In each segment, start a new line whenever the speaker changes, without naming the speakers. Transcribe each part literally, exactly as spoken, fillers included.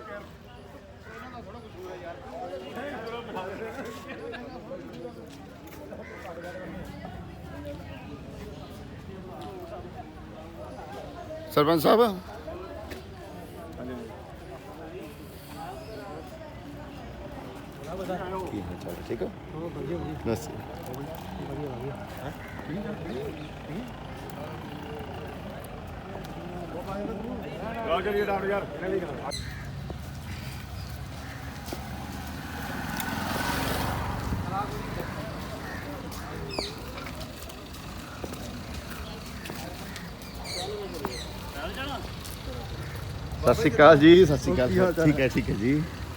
सरपंच साहब ठीक है बस सत श्री अकाल जी। सत श्री अकाल। ठीक है ठीक है जी।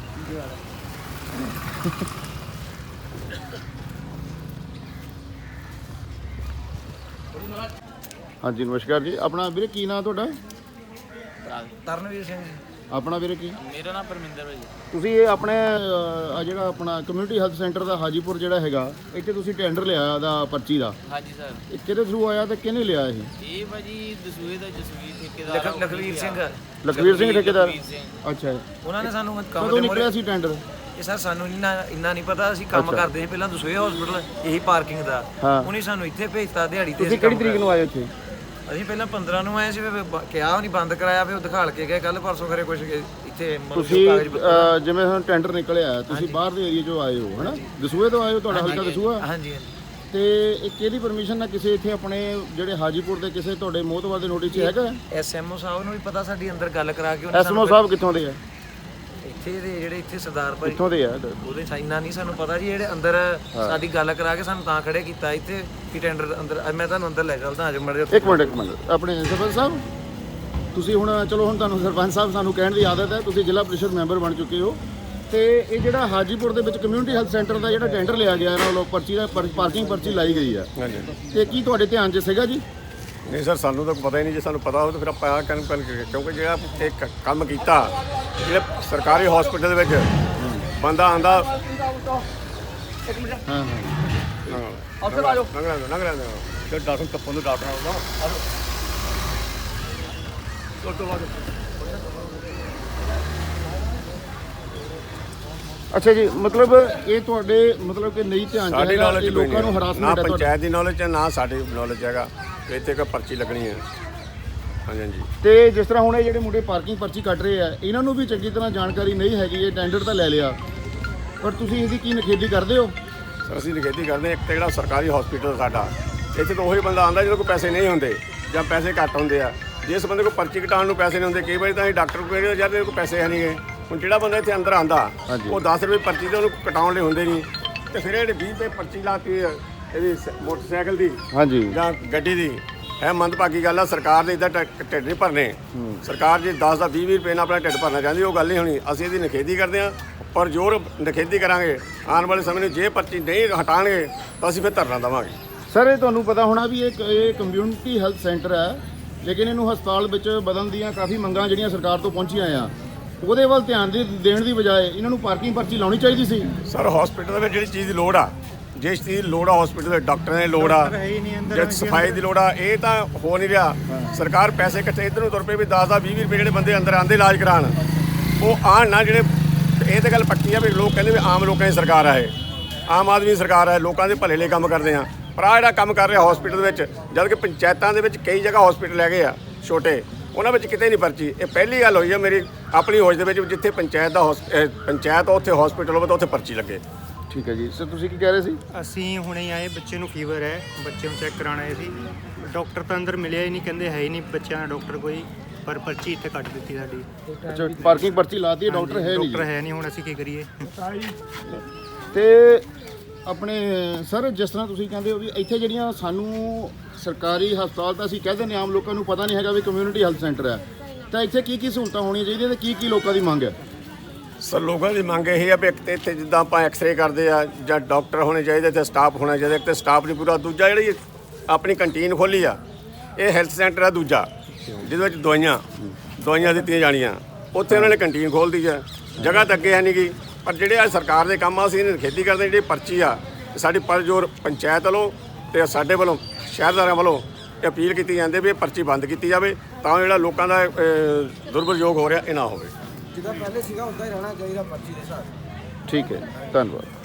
हाँ जी नमस्कार जी। अपना वीरे की नाम तुहाडा?
ਤਰਨਵੀਰ ਸਿੰਘ ਜੀ।
अपना वीरे की?
ਮੇਰਾ ਨਾਮ ਪਰਮਿੰਦਰ ਭਾਈ।
ਤੁਸੀਂ ਇਹ ਆਪਣੇ ਅਹ, ਜਿਹੜਾ ਆਪਣਾ ਕਮਿਊਨਿਟੀ ਹੈਲਥ ਸੈਂਟਰ ਦਾ ਹਾਜੀਪੁਰ ਜਿਹੜਾ ਹੈਗਾ ਇੱਥੇ ਤੁਸੀਂ ਟੈਂਡਰ ਲਿਆ ਦਾ ਪਰਚੀ ਦਾ,
ਹਾਂਜੀ ਸਰ।
ਇਹ ਕਿਹਦੇ ਥਰੂ ਆਇਆ ਤੇ ਕਿਹਨੇ ਲਿਆ ਇਹ?
ਇਹ ਭਾਜੀ ਦਸੂਏ ਦਾ ਜਸਵੀਰ ਠੇਕੇਦਾਰ ਲਖਵੀਰ ਸਿੰਘ।
ਲਖਵੀਰ ਸਿੰਘ ਠੇਕੇਦਾਰ।
ਲਖਵੀਰ ਸਿੰਘ।
ਅੱਛਾ
ਉਹਨਾਂ ਨੇ ਸਾਨੂੰ ਕੰਮ
ਕਦੋਂ
ਦੇ
ਨਿਕਲਿਆ ਸੀ ਟੈਂਡਰ?
ਇਹ ਸਰ ਸਾਨੂੰ ਇੰਨਾ ਇੰਨਾ ਨਹੀਂ ਪਤਾ। ਅਸੀਂ ਕੰਮ
ਅੱਛਾ।
ਕਰਦੇ ਸੀ ਪਹਿਲਾਂ ਦਸੂਏ ਹਸਪੀਟਲ ਇਹੀ ਪਾਰਕਿੰਗ ਦਾ।
ਹਾਂ।
ਉਹਨੇ ਸਾਨੂੰ ਇੱਥੇ ਭੇਜਤਾ ਦਿਹਾੜੀ ਤੇ।
ਤੁਸੀਂ ਕਿਹੜੀ ਤਰੀਕ ਨੂੰ ਆਏ ਇੱਥੇ?
ਅਸੀਂ ਪਹਿਲਾਂ ਪੰਦਰਾਂ ਨੂੰ ਆਏ ਸੀ, ਫਿਰ ਬ- ਕਿਹਾ ਨਹੀਂ ਬੰਦ ਕਰਾਇਆ, ਫਿਰ ਉਹ ਦਿਖਾਲ ਕੇ ਗਏ ਕੱਲ ਪਰਸੋਂ ਕਰੇ ਕੁਝ ਇੱਥੇ ਮਤਲਬ
ਤੁਸੀਂ
ਕਾਗਜ਼ ਪੱਤਰ-
ਅਹ, ਜਿਵੇਂ ਹੁਣ ਟੈਂਡਰ ਨਿਕਲਿਆ ਤੁਸੀਂ ਬਾਹਰ ਦੇ ਏਰੀਆ ਚੋਂ ਆਏ ਹੋ ਹਨਾ, ਦਸੂਏ ਤੋਂ ਆਏ ਹੋ, ਤੁਹਾਡਾ ਹਲਕਾ ਦਸੂਆ।
ਹਾਂਜੀ ਹਾਂਜੀ।
ਤੇ ਇਹ ਕਿਹਦੀ ਪਰਮਿਸ਼ਨ ਨਾਲ ਕਿਸੇ ਇੱਥੇ ਆਪਣੇ ਜਿਹੜੇ ਹਾਜੀਪੁਰ ਦੇ ਕਿਸੇ ਤੁਹਾਡੇ ਮੋਹਤਵਾਰ ਦੇ ਨੋਟਿਸ 'ਚ ਹੈਗਾ?
ਐਸਐਮਓ ਸਾਹਿਬ ਨੂੰ ਵੀ ਪਤਾ ਸਾਡੀ ਅੰਦਰ ਗੱਲ ਕਰਾ ਕੇ ਉਹਨੇ
ਐਸਐਮਓ ਸਾਹਿਬ ਕਿੱਥੋਂ ਦੇ ਆ?
ਇੱਥੇ ਦੇ ਜਿਹੜੇ ਇੱਥੇ ਸਰਦਾਰ ਭਾਈ
ਕਿੱਥੋਂ ਦੇ ਆ?
ਉਹਦੇ ਸਾਈਨਾ ਨਹੀਂ ਸਾਨੂੰ ਪਤਾ ਜੀ। ਜਿਹੜੇ ਅੰਦਰ ਸਾਡੀ ਗੱਲ ਕਰਾ ਕੇ ਸਾਨੂੰ ਤਾਂ ਖੜੇ ਕੀਤਾ ਇੱਥੇ ਕਿ ਟੈਂਡਰ ਅੰਦਰ। ਮੈਂ ਤੁਹਾਨੂੰ ਅੰਦਰ ਲੈ ਚੱਲਦਾ ਅੱਜ ਮੜੇ।
ਇੱਕ ਮਿੰਟ ਇੱਕ ਮਿੰਟ ਆਪਣੇ ਸਰਪੰਚ ਸਾਹਿਬ, ਤੁਸੀਂ ਹੁਣ ਚਲੋ ਹੁਣ ਤੁਹਾਨੂੰ ਸਰਪੰਚ ਸਾਹਿਬ ਸਾਨੂੰ ਕਹਿਣ ਦੀ ਆਦਤ ਹੈ, ਤੁਸੀਂ ਜ਼ਿਲ੍ਹਾ ਪ੍ਰੀਸ਼ਦ ਮੈਂਬਰ ਬਣ ਚੁੱਕੇ ਹੋ, ਤੇ ਇਹ ਜਿਹੜਾ ਹਾਜੀਪੁਰ ਦੇ ਵਿੱਚ ਕਮਿਊਨਿਟੀ ਹੈਲਥ ਸੈਂਟਰ ਦਾ ਜਿਹੜਾ ਟੈਂਡਰ ਲਿਆ ਗਿਆ ਇਹਨਾਂ ਵੱਲੋਂ ਪਰਚੀ ਦਾ ਪਾਰਕਿੰਗ ਪਰਚੀ ਲਾਈ ਗਈ ਆ, ਤੇ ਕੀ ਤੁਹਾਡੇ ਧਿਆਨ 'ਚ ਸੀਗਾ ਜੀ?
ਨਹੀਂ ਸਰ, ਸਾਨੂੰ ਤਾਂ ਪਤਾ ਹੀ ਨਹੀਂ। ਜੇ ਸਾਨੂੰ ਪਤਾ ਹੋਵੇ ਤਾਂ ਫਿਰ ਆਪਾਂ ਕਰਨ ਕਰਨ ਕਿਉਂਕਿ ਜਿਹੜਾ ਇਹ ਕ- ਕੰਮ ਕੀਤਾ ਜਿਹੜੇ ਸਰਕਾਰੀ ਹਸਪੀਟਲ ਦੇ ਵਿੱਚ ਬੰਦਾ ਆਂਦਾ।
ਹਾਂ ਹਾਂ
ਅਫਸਰ ਆ ਜਾਓ। ਲੰਘ ਲੈਂਦਾ ਲੰਘ ਲੈਂਦਾ ਤੇ ਡਾਕਟਰ ਕੱਪੋਂ ਨੂੰ ਡਾਕਟਰ ਆਉਂਦਾ।
ਅੱਛਾ ਜੀ, ਮਤਲਬ ਇਹ ਤੁਹਾਡੇ ਮਤਲਬ ਕਿ ਨਹੀਂ ਧਿਆਨ 'ਚ
ਸਾਡੀ
ਹੈਗਾ
ਨੌਲੇਜ
ਕਿ
ਕੋਈ
ਲੋਕਾਂ ਨੂੰ
ਨਹੀਂ, ਨਾ
ਹਰਾਸਮੈਂਟ ਹੈ ਤੁਹਾਡੇ?
ਪੰਚਾਇਤ ਦੀ ਨੌਲੇਜ ਹੈ ਨਾ ਸਾਡੀ ਨੌਲੇਜ ਹੈਗਾ ਕਿ ਇੱਥੇ ਕੋਈ ਪਰਚੀ ਲੱਗਣੀ ਹੈ। ਹਾਂਜੀ ਹਾਂਜੀ।
ਤੇ ਜਿਸ ਤਰ੍ਹਾਂ ਹੁਣ ਇਹ ਜਿਹੜੇ ਮੁੰਡੇ ਪਾਰਕਿੰਗ ਪਰਚੀ ਕੱਟ ਰਹੇ ਆ, ਇਹਨਾਂ ਨੂੰ ਵੀ ਚੰਗੀ ਤਰ੍ਹਾਂ ਜਾਣਕਾਰੀ ਨਹੀਂ ਹੈਗੀ। ਇਹ ਟੈਂਡਰ ਤਾਂ ਲੈ ਲਿਆ, ਪਰ ਤੁਸੀਂ ਇਹਦੀ ਕੀ ਨਿਖੇਧੀ ਕਰਦੇ ਹੋ?
ਸਰ ਅਸੀਂ ਨਿਖੇਧੀ ਕਰਦੇ ਹਾਂ। ਇੱਕ ਤਾਂ ਜਿਹੜਾ ਸਰਕਾਰੀ ਹਸਪੀਟਲ ਸਾਡਾ, ਇੱਥੇ ਤਾਂ ਉਹੀ ਬੰਦਾ ਆਉਂਦਾ ਜਿਹਦੇ ਕੋਲ ਪੈਸੇ ਨਹੀਂ ਹੁੰਦੇ ਜਾਂ ਪੈਸੇ ਘੱਟ ਹੁੰਦੇ ਆ। ਜਿਸ ਬੰਦੇ ਕੋਲ ਪਰਚੀ ਕਟਾਉਣ ਨੂੰ ਪੈਸੇ ਨਹੀਂ ਹੁੰਦੇ, ਕਈ ਵਾਰੀ ਤਾਂ ਅਸੀਂ ਡਾਕਟਰ ਕੋਲ ਕਹਿੰਦੇ ਯਾਰ ਇਹਦੇ ਕੋਲ ਪੈਸੇ ਹੈ ਨਹੀਂ ਗਏ। ਹੁਣ ਜਿਹੜਾ ਬੰਦਾ ਇੱਥੇ ਅੰਦਰ ਆਂਦਾ ਉਹ ਦਸ ਰੁਪਏ ਪਰਚੀ ਤੇ ਉਹਨੂੰ ਕਟਾਉਣ ਲਈ ਹੁੰਦੇ ਨਹੀਂ, ਤੇ ਫਿਰ ਇਹ ਵੀਹ ਰੁਪਏ ਪਰਚੀ ਲਾਤੀ ਇਹਦੀ ਸ- ਮੋਟਰਸਾਈਕਲ ਦੀ
ਹਾਂਜੀ
ਜਾਂ ਗੱਡੀ ਦੀ। ਇਹ ਮੰਦਭਾਗੀ ਗੱਲ ਆ। ਸਰਕਾਰ ਦੇ ਇੱਦਾਂ ਢ- ਢਿੱਡ ਨਹੀਂ ਭਰਨੇ। ਸਰਕਾਰ ਜੇ ਦਸ ਦਾ ਵੀਹ ਵੀਹ ਰੁਪਏ ਨਾਲ ਆਪਣਾ ਢਿੱਡ ਭਰਨਾ ਚਾਹੁੰਦੀ, ਉਹ ਗੱਲ ਨਹੀਂ ਹੋਣੀ। ਅਸੀਂ ਇਹਦੀ ਨਿਖੇਧੀ ਕਰਦੇ ਹਾਂ, ਪਰ ਜ਼ੋਰ ਨਿਖੇਧੀ ਕਰਾਂਗੇ। ਆਉਣ ਵਾਲੇ ਸਮੇਂ ਨੂੰ ਜੇ ਪਰਚੀ ਨਹੀਂ ਹਟਾਉਣਗੇ ਤਾਂ ਅਸੀਂ ਫਿਰ ਧਰਨਾ ਦੇਵਾਂਗੇ।
ਸਰ ਇਹ ਤੁਹਾਨੂੰ ਪਤਾ ਹੋਣਾ ਵੀ ਇਹ ਇਹ ਕਮਿਊਨਿਟੀ ਹੈਲਥ ਸੈਂਟਰ ਹੈ, ਲੇਕਿਨ ਇਹਨੂੰ ਹਸਪਤਾਲ ਵਿੱਚ ਬਦਲਣ ਦੀਆਂ ਕਾਫੀ ਮੰਗਾਂ ਜਿਹੜੀਆਂ ਸਰਕਾਰ ਤੋਂ ਪਹੁੰਚੀਆਂ ਆ, ਉਹਦੇ ਵੱਲ ਧਿਆਨ ਦੇ ਦੇਣ ਦੀ ਬਜਾਏ ਇਹਨਾਂ ਨੂੰ ਪਾਰਕਿੰਗ ਪਰਚੀ ਲਾਉਣੀ ਚਾਹੀਦੀ ਸੀ।
ਸਰ ਹਸਪੀਟਲ ਦੇ ਵਿੱਚ ਜਿਹੜੀ ਚੀਜ਼ ਦੀ ਲੋੜ ਆ, ਜਿਸ ਚੀਜ਼ ਦੀ ਲੋੜ ਆ ਹਸਪੀਟਲ ਦੇ ਡਾਕਟਰਾਂ ਦੀ ਲੋੜ ਆ, ਜੇ ਸਫਾਈ ਦੀ ਲੋੜ ਆ, ਇਹ ਤਾਂ ਹੋ ਨਹੀਂ ਰਿਹਾ। ਸਰਕਾਰ ਪੈਸੇ ਇਕੱਠੇ ਇੱਧਰ ਨੂੰ ਤੁਰ ਪਏ ਵੀ ਦਸ ਦਾ ਵੀਹ ਵੀਹ ਰੁਪਏ ਜਿਹੜੇ ਬੰਦੇ ਅੰਦਰ ਆਉਂਦੇ ਇਲਾਜ ਕਰਾਉਣ, ਉਹ ਆਣ ਨਾ। ਜਿਹੜੇ ਇਹ ਤਾਂ ਗੱਲ ਪੱਕੀ ਆ ਵੀ ਲੋਕ ਕਹਿੰਦੇ ਵੀ ਆਮ ਲੋਕਾਂ ਦੀ ਸਰਕਾਰ ਆ, ਇਹ ਆਮ ਆਦਮੀ ਦੀ ਸਰਕਾਰ ਹੈ, ਲੋਕਾਂ ਦੇ ਭਲੇ ਲਈ ਕੰਮ ਕਰਦੇ ਆ। ਪਰ ਆਹ ਜਿਹੜਾ ਕੰਮ ਕਰ ਰਿਹਾ ਹਸਪੀਟਲ ਵਿੱਚ, ਜਦ ਕਿ ਪੰਚਾਇਤਾਂ ਦੇ ਵਿੱਚ ਕਈ ਜਗ੍ਹਾ ਹਸਪੀਟਲ ਹੈਗੇ ਆ ਛੋਟੇ, ਉਹਨਾਂ ਵਿੱਚ ਕਿਤੇ ਨਹੀਂ ਪਰਚੀ। ਇਹ ਪਹਿਲੀ ਗੱਲ ਹੋਈ ਆ ਮੇਰੀ ਆਪਣੀ ਹੋਸ਼ ਦੇ ਵਿੱਚ, ਜਿੱਥੇ ਪੰਚਾਇਤ ਦਾ ਪੰਚਾਇਤ ਉੱਥੇ ਹਸਪੀਟਲ ਹੋਵੇ ਤਾਂ ਉੱਥੇ ਪਰਚੀ ਲੱਗੇ।
ਠੀਕ ਹੈ ਜੀ। ਸਰ ਤੁਸੀਂ ਕੀ ਕਹਿ ਰਹੇ ਸੀ?
ਅਸੀਂ ਹੁਣੇ ਆਏ, ਬੱਚੇ ਨੂੰ ਫੀਵਰ ਹੈ, ਬੱਚੇ ਨੂੰ ਚੈੱਕ ਕਰਾਉਣ ਆਏ ਸੀ। ਡਾਕਟਰ ਤਾਂ ਅੰਦਰ ਮਿਲਿਆ ਹੀ ਨਹੀਂ, ਕਹਿੰਦੇ ਹੈ ਹੀ ਨਹੀਂ ਬੱਚਿਆਂ ਦਾ ਡਾਕਟਰ ਕੋਈ, ਪਰ ਪਰਚੀ ਇੱਥੇ ਕੱਟ ਦਿੱਤੀ ਸਾਡੀ।
ਅੱਛਾ ਪਾਰਕਿੰਗ ਪਰਚੀ ਲਾਤੀ ਹੈ, ਡਾਕਟਰ ਹੈ ਨਹੀਂ
ਡਾਕਟਰ
ਜੀ।
ਹੈ ਨਹੀਂ, ਹੁਣ ਅਸੀਂ ਕੀ ਕਰੀਏ?
ਤੇ ਆਪਣੇ ਸਰ ਜਿਸ ਤਰ੍ਹਾਂ ਤੁਸੀਂ ਕਹਿੰਦੇ ਹੋ ਵੀ ਇੱਥੇ ਜਿਹੜੀਆਂ ਸਾਨੂੰ ਸਰਕਾਰੀ ਹਸਪਤਾਲ ਤਾਂ ਅਸੀਂ ਕਹਿ ਦਿੰਦੇ ਆਮ ਲੋਕਾਂ ਨੂੰ ਪਤਾ ਨਹੀਂ ਹੈਗਾ ਵੀ ਕਮਿਊਨਿਟੀ ਹੈਲਥ ਸੈਂਟਰ ਹੈ, ਤਾਂ ਇੱਥੇ ਕੀ ਕੀ ਸਹੂਲਤਾਂ ਹੋਣੀਆਂ ਚਾਹੀਦੀਆਂ ਤੇ ਕੀ ਕੀ ਲੋਕਾਂ ਦੀ ਮੰਗ ਹੈ?
ਸਰ ਲੋਕਾਂ ਦੀ ਮੰਗ ਇਹ ਆ ਵੀ ਇੱਕ ਤਾਂ ਇੱਥੇ ਜਿੱਦਾਂ ਆਪਾਂ ਐਕਸ-ਰੇ ਕਰਦੇ ਆ ਜਾਂ ਡਾਕਟਰ ਹੋਣੇ ਚਾਹੀਦੇ ਤੇ ਸਟਾਫ ਹੋਣਾ ਚਾਹੀਦਾ। ਇੱਕ ਤਾਂ ਸਟਾਫ ਨਹੀਂ ਪੂਰਾ, ਦੂਜਾ ਜਿਹੜੀ ਆਪਣੀ ਕੰਟੀਨ ਖੋਲ੍ਹੀ ਆ, ਇਹ ਹੈਲਥ ਸੈਂਟਰ ਆ ਦੂਜਾ, ਜਿਹਦੇ ਵਿੱਚ ਦਵਾਈਆਂ ਦਵਾਈਆਂ ਦਿੱਤੀਆਂ ਜਾਣੀਆਂ, ਉੱਥੇ ਉਹਨਾਂ ਨੇ ਕੰਟੀਨ ਖੋਲ੍ਹਦੀ ਆ। ਜਗ੍ਹਾ ਤਾਂ ਅੱਗੇ ਹੈ ਨਹੀਂ ਗੀ, ਪਰ ਜਿਹੜੇ ਆ ਸਰਕਾਰ ਦੇ ਕੰਮ ਆ ਅਸੀਂ ਇਹਨਾਂ ਖੇਤੀ ਕਰਦੇ। ਜਿਹੜੀ ਪਰਚੀ ਆ ਸਾਡੀ ਪਰਜੋਰ ਪੰਚਾਇਤ ਵੱਲੋਂ ਤੇ ਸਾਡੇ ਵੱਲੋਂ ਸ਼ਹਿਰਦਾਰਾਂ ਵੱਲੋਂ ਅਪੀਲ ਕੀਤੀ ਜਾਂਦੀ ਵੀ ਇਹ ਪਰਚੀ ਬੰਦ ਕੀਤੀ ਜਾਵੇ, ਤਾਂ ਜਿਹੜਾ ਲੋਕਾਂ ਦਾ ਦੁਰਵਰਯੋਗ ਹੋ ਰਿਹਾ ਇਹ ਨਾ ਹੋਵੇ।
ਜਿੱਦਾਂ ਪਹਿਲੇ ਸੀਗਾ ਉਦਾਂ ਹੀ ਰਹਿਣਾ ਚਾਹੀਦਾ ਪਰਚੀ ਦੇ ਹਿਸਾਬ ਨਾਲ।
ਠੀਕ ਹੈ, ਧੰਨਵਾਦ।